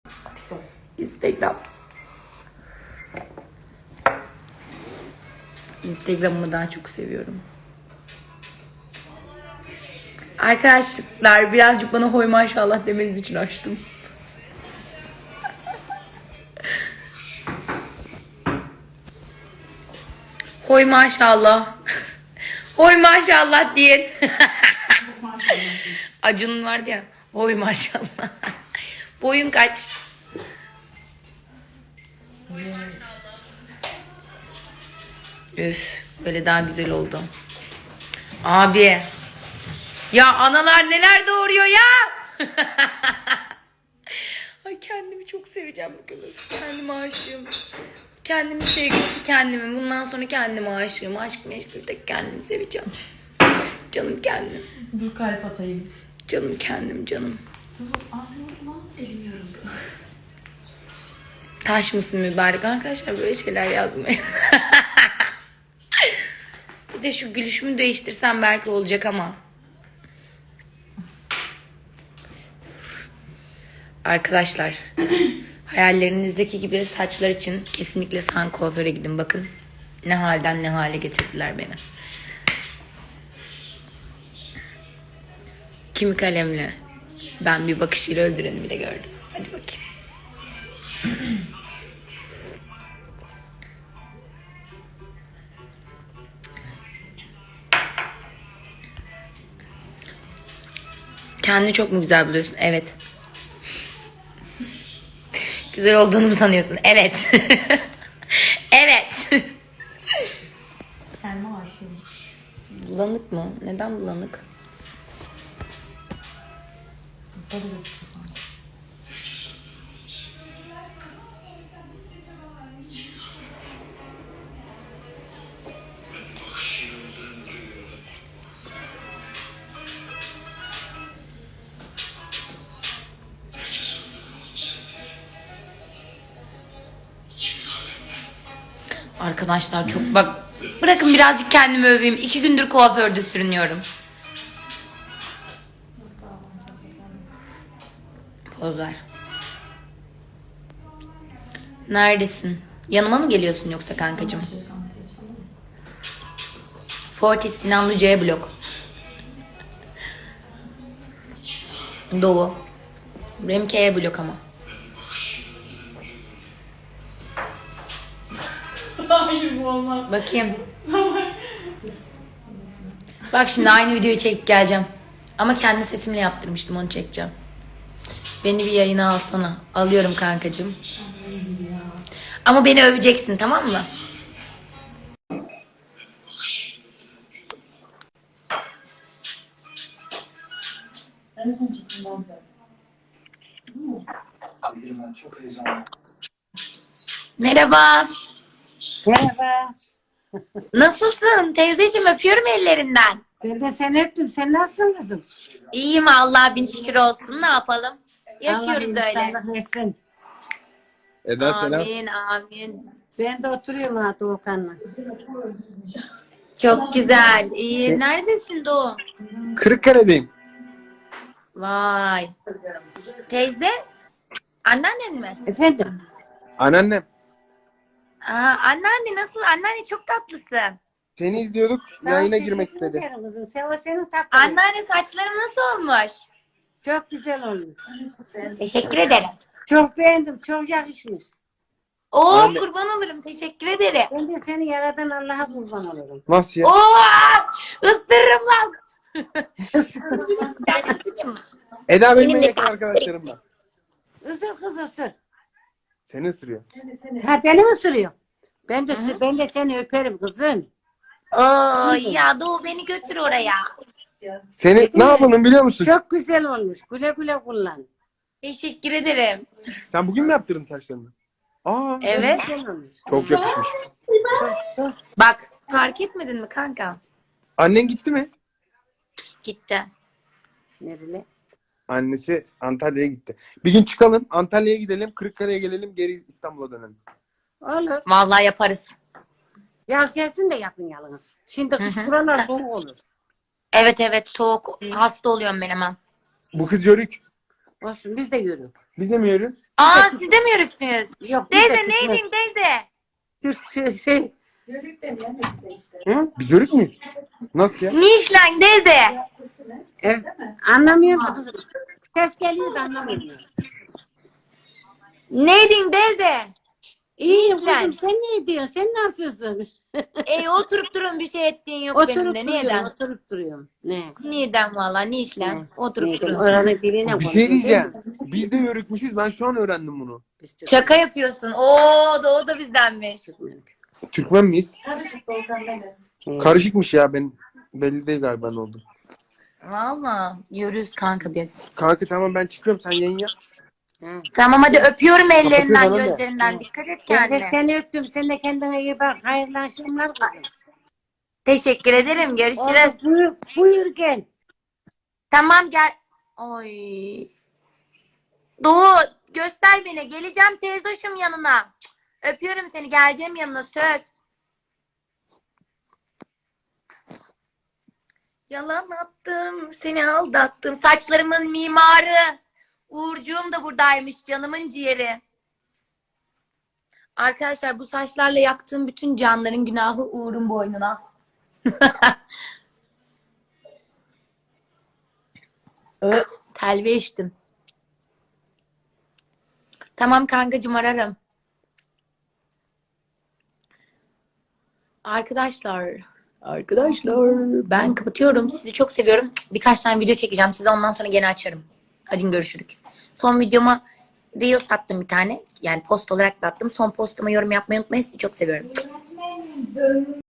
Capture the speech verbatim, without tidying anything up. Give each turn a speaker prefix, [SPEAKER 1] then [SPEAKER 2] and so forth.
[SPEAKER 1] Instagram. Instagram'ımı daha çok seviyorum. Arkadaşlar birazcık bana hoy maşallah demeniz için açtım. Hoy maşallah. Hoy maşallah diyen. Acun vardı ya. Hoy maşallah. Boyun kaç? Üf, böyle daha güzel oldu. Abi. Ya analar neler doğuruyor ya? Ay kendimi çok seveceğim bugün. Kendime aşığım. Kendimi sevgisi kendimi. Bundan sonra kendime aşığım. Aşk meşgul tek kendimi seveceğim. Canım kendim.
[SPEAKER 2] Dur kalp atayım.
[SPEAKER 1] Canım kendim canım.
[SPEAKER 2] Ağlıyordum lan. Elim yoruldu.
[SPEAKER 1] Taş mısın mübarek? Arkadaşlar böyle şeyler yazmayın. Bir de şu gülüşümü değiştirsem belki olacak ama. Arkadaşlar hayallerinizdeki gibi saçlar için kesinlikle San kuaföre gidin. Bakın ne halden ne hale getirdiler beni. Kimi kalemle ben bir bakışıyla öldüreni bile gördüm. Hadi bakayım. Kendini çok mu güzel buluyorsun? Evet. Güzel olduğunu mu sanıyorsun? Evet. Evet.
[SPEAKER 2] Kendime aşığım.
[SPEAKER 1] Bulanık mı? Neden bulanık?
[SPEAKER 2] Tabii de.
[SPEAKER 1] Arkadaşlar çok bak bırakın birazcık kendimi öveyim. İki gündür kuaförde sürünüyorum. Poz ver. Neredesin? Yanıma mı geliyorsun yoksa kankacığım? Fortis Sinanlı C blok. Doğu. Benimki E blok ama.
[SPEAKER 2] Hayır bu olmaz.
[SPEAKER 1] Bakayım. Bak şimdi aynı videoyu çekip geleceğim. Ama kendi sesimle yaptırmıştım, onu çekeceğim. Beni bir yayına alsana. Alıyorum kankacığım. Ama beni öveceksin, tamam mı? Merhaba.
[SPEAKER 3] Merhaba.
[SPEAKER 1] Nasılsın teyzeciğim? Öpüyorum ellerinden.
[SPEAKER 3] Ben de seni öptüm. Sen nasılsın kızım?
[SPEAKER 1] İyiyim Allah bin şükür olsun. Ne yapalım? Yaşıyoruz
[SPEAKER 3] Allah
[SPEAKER 1] öyle.
[SPEAKER 3] insanlık versin.
[SPEAKER 4] Eda selam.
[SPEAKER 1] Amin amin.
[SPEAKER 3] Ben de oturuyorum ha Doğukan'la.
[SPEAKER 1] Çok güzel. İyi. Neredesin Doğu?
[SPEAKER 4] Kırıkkale'deyim.
[SPEAKER 1] Vay. Teyze? Anneannen mi?
[SPEAKER 3] Efendim?
[SPEAKER 4] Anneannem.
[SPEAKER 1] Aa, anneanne nasıl? Anneanne çok tatlısın.
[SPEAKER 4] Seni izliyorduk.
[SPEAKER 3] Sağ ol,
[SPEAKER 4] Yayına girmek
[SPEAKER 3] teşekkür
[SPEAKER 4] istedi.
[SPEAKER 3] ederim kızım. Sen, o senin tatlın.
[SPEAKER 1] Anneanne saçlarım nasıl olmuş?
[SPEAKER 3] Çok güzel olmuş.
[SPEAKER 1] Teşekkür ederim.
[SPEAKER 3] Çok beğendim. Çok yakışmış.
[SPEAKER 1] Oo
[SPEAKER 4] Anne.
[SPEAKER 1] kurban olurum. Teşekkür ederim.
[SPEAKER 3] Ben de seni yaradan Allah'a kurban olurum.
[SPEAKER 4] Nasıl ya?
[SPEAKER 1] Oo ısırırım lan. Ben ısırayım mı?
[SPEAKER 4] Eda benim
[SPEAKER 1] Benim
[SPEAKER 4] en
[SPEAKER 1] de
[SPEAKER 4] yakın arkadaşlarım var.
[SPEAKER 3] Isır kız ısır.
[SPEAKER 4] Seni ısırıyor.
[SPEAKER 3] Ha beni mi ısırıyor? Ben de, ben de seni öperim kızım.
[SPEAKER 1] Oo ya Doğu beni götür oraya.
[SPEAKER 4] Seni ne yapalım biliyor musun?
[SPEAKER 3] Çok güzel olmuş. Güle güle kullan.
[SPEAKER 1] Teşekkür ederim.
[SPEAKER 4] Sen bugün mü yaptırdın saçlarını? Aa,
[SPEAKER 1] Evet.
[SPEAKER 3] Güzel olmuş.
[SPEAKER 4] çok yakışmış.
[SPEAKER 1] Bak fark etmedin mi kanka?
[SPEAKER 4] Annen gitti mi?
[SPEAKER 1] Gitti.
[SPEAKER 3] Nerede?
[SPEAKER 4] Annesi Antalya'ya gitti. Bir gün çıkalım, Antalya'ya gidelim, Kırıkkale'ye gelelim, geri İstanbul'a dönelim.
[SPEAKER 3] Olur.
[SPEAKER 1] Vallahi yaparız.
[SPEAKER 3] Yaz gelsin de yapın yalnız. Şimdi kış buralar soğuk olur.
[SPEAKER 1] Evet evet soğuk. Hasta oluyorum ben hemen.
[SPEAKER 4] Bu kız yörük.
[SPEAKER 3] Olsun biz de yürü.
[SPEAKER 4] Biz de mi yiyoruz?
[SPEAKER 1] Aa siz de mi yörüksünüz?
[SPEAKER 3] Yok, biz de
[SPEAKER 1] Teyze
[SPEAKER 3] Türkmen-
[SPEAKER 1] neydin teyze?
[SPEAKER 3] Türkçe şey.
[SPEAKER 4] Hı? Biz yörük müyüz? Nasıl ya?
[SPEAKER 1] Nişlen teyze.
[SPEAKER 3] Evet. Anlamıyorum ki kızım. Ses geliyor da anlamıyorum.
[SPEAKER 1] Neydin teyze?
[SPEAKER 3] İyiyim
[SPEAKER 1] Nişlen.
[SPEAKER 3] kızım, sen ne diyorsun? Sen nasılsın?
[SPEAKER 1] Ey oturup durun bir şey ettiğin yok benim
[SPEAKER 3] Oturup
[SPEAKER 1] de.
[SPEAKER 3] duruyorum,
[SPEAKER 1] Neden?
[SPEAKER 3] oturup duruyorum. Ne?
[SPEAKER 1] Neden valla nişlen?
[SPEAKER 3] Ne?
[SPEAKER 1] Oturup
[SPEAKER 3] Ne?
[SPEAKER 1] durun.
[SPEAKER 3] Oranın diline
[SPEAKER 4] Bir şey
[SPEAKER 3] konuşuyorum.
[SPEAKER 4] diyeceğim. Biz de yörükmüşüz. Ben şu an öğrendim bunu.
[SPEAKER 3] Biz Türk-
[SPEAKER 1] Şaka yapıyorsun. Oo da o da bizdenmiş.
[SPEAKER 4] Türkmen miyiz?
[SPEAKER 3] Evet.
[SPEAKER 4] Karışıkmış ya, ben belli değil galiba ne oldu.
[SPEAKER 1] Valla yürüyoruz kanka biz.
[SPEAKER 4] Kanka tamam, ben çıkıyorum, sen yayın yap.
[SPEAKER 3] Ha.
[SPEAKER 1] Tamam hadi öpüyorum ellerinden
[SPEAKER 4] bana da.
[SPEAKER 1] gözlerinden. Dikkat et
[SPEAKER 3] Ben de
[SPEAKER 1] kendine.
[SPEAKER 3] seni öptüm. Sen de kendine iyi bak. Hayırlı akşamlar kızım.
[SPEAKER 1] Teşekkür ederim. Görüşürüz.
[SPEAKER 3] Oldu, buyur, buyur gel.
[SPEAKER 1] Tamam gel. Oy. Doğu göster beni. Geleceğim teyzoşum yanına. Öpüyorum seni. Geleceğim yanına söz. Yalan attım. Seni aldattım. Saçlarımın mimarı. Uğurcuğum da buradaymış. Canımın ciğeri. Arkadaşlar bu saçlarla yaktığım bütün canların günahı Uğur'un boynuna. Ö, telve içtim. Tamam kankacığım ararım. Arkadaşlar, arkadaşlar ben kapatıyorum. Sizi çok seviyorum. Birkaç tane video çekeceğim. Size ondan sonra gene açarım. Hadi görüşürük. Son videoma Reels attım bir tane. Yani post olarak da attım. Son postuma yorum yapmayı unutmayın. Sizi çok seviyorum.